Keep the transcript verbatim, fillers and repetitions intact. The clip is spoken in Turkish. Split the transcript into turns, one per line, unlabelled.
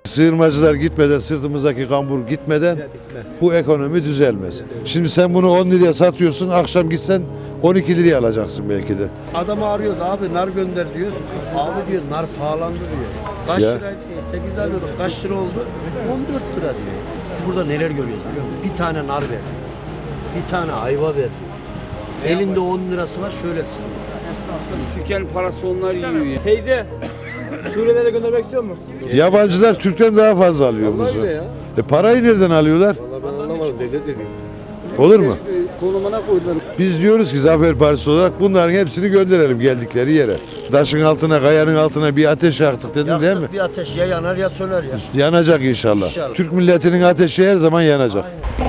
Sığınmacılar gitmeden, sırtımızdaki kambur gitmeden bu ekonomi düzelmez. Şimdi sen bunu on liraya satıyorsun, akşam gitsen on iki liraya alacaksın belki de.
Adamı arıyoruz, abi nar gönder diyoruz. Abi diyor nar pahalandı diyor. Kaç
Ya.
liraydı? sekiz alıyorduk. Kaç lira oldu? on dört lira diyor. Biz burada neler görüyoruz biliyor musun? Bir tane nar ver. Bir tane ayva ver. Elinde on lirası var, şöyle sıkıyor.
Türkiye'nin parası onlar yiyor ya.
Teyze, Suriyelere göndermek istiyor musun?
Yabancılar Türk'ten daha fazla alıyor
Vallahi
buzu.
öyle ya.
E parayı nereden alıyorlar?
Vallahi ben anlamadım, devlet dedi.
Olur mu?
Konumuna koydular.
Biz diyoruz ki Zafer Partisi olarak bunların hepsini gönderelim geldikleri yere. Taşın altına, kayanın altına bir ateş yaktık dedin değil mi?
Yaktık bir ateş ya yanar ya söner ya.
Yanacak inşallah.
İnşallah.
Türk milletinin ateşi her zaman yanacak.